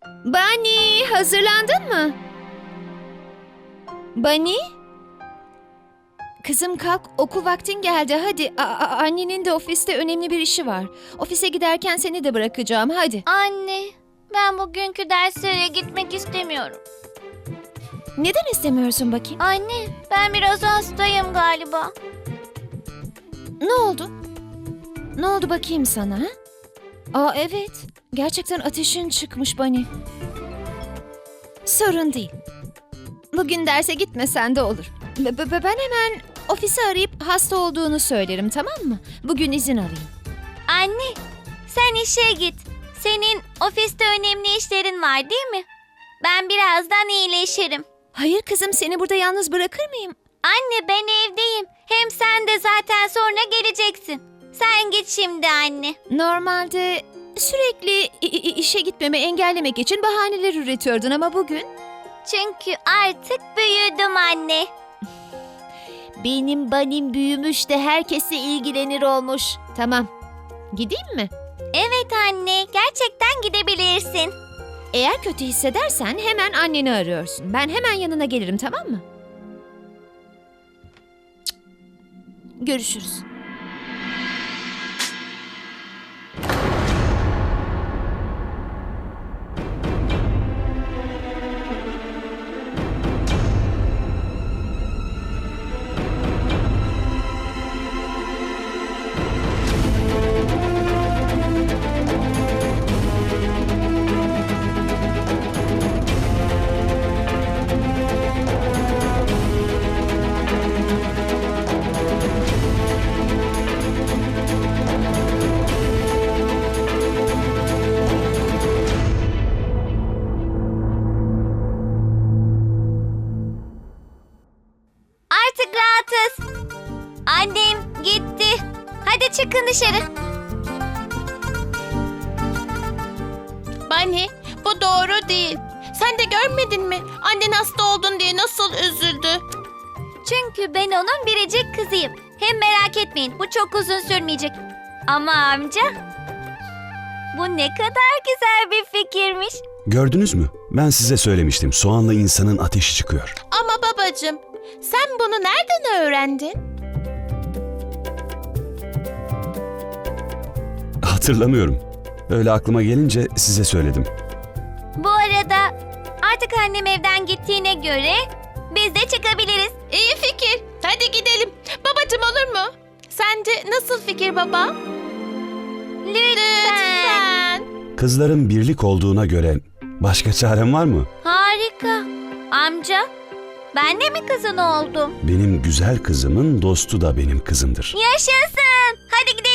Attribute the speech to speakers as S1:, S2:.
S1: Bunny, hazırlandın mı? Bunny? Kızım kalk, okul vaktin geldi. Hadi, annenin de ofiste önemli bir işi var. Ofise giderken seni de bırakacağım, hadi.
S2: Anne, ben bugünkü derslere gitmek istemiyorum.
S1: Neden istemiyorsun bakayım?
S2: Anne, ben biraz hastayım galiba.
S1: Ne oldu? Ne oldu bakayım sana? Ha? Evet, gerçekten ateşin çıkmış Bunny. Sorun değil. Bugün derse gitmesen de olur. Ben hemen ofisi arayıp hasta olduğunu söylerim, tamam mı? Bugün izin alayım.
S2: Anne, sen işe git. Senin ofiste önemli işlerin var değil mi? Ben birazdan iyileşirim.
S1: Hayır kızım, seni burada yalnız bırakır mıyım?
S2: Anne, ben evdeyim. Hem sen de zaten sonra geleceksin. Sen git şimdi anne.
S1: Normalde sürekli işe gitmemi engellemek için bahaneler üretiyordun ama bugün...
S2: Çünkü artık büyüdüm anne.
S1: Benim Bunny'm büyümüş de herkesle ilgilenir olmuş. Tamam, gideyim mi?
S2: Evet anne, gerçekten gidebilirsin.
S1: Eğer kötü hissedersen hemen anneni arıyorsun. Ben hemen yanına gelirim, tamam mı? Cık. Görüşürüz.
S2: Artık rahatız. Annem gitti. Hadi çıkın dışarı.
S3: Bunny, bu doğru değil. Sen de görmedin mi? Annen hasta oldun diye nasıl üzüldü.
S2: Çünkü ben onun biricik kızıyım. Hem merak etmeyin, bu çok uzun sürmeyecek. Ama amca, bu ne kadar güzel bir fikirmiş.
S4: Gördünüz mü? Ben size söylemiştim. Soğanla insanın ateşi çıkıyor.
S3: Ama babacığım, sen bunu nereden öğrendin?
S4: Hatırlamıyorum. Öyle aklıma gelince size söyledim.
S2: Bu arada artık annem evden gittiğine göre biz de çıkabiliriz.
S3: İyi fikir. Hadi gidelim. Babacığım, olur mu? Sence nasıl fikir baba?
S2: Lütfen.
S4: Kızların birlik olduğuna göre başka çarem var mı?
S2: Harika. Amca, ben de mi kızın oldum?
S4: Benim güzel kızımın dostu da benim kızımdır.
S2: Yaşasın. Hadi gidelim.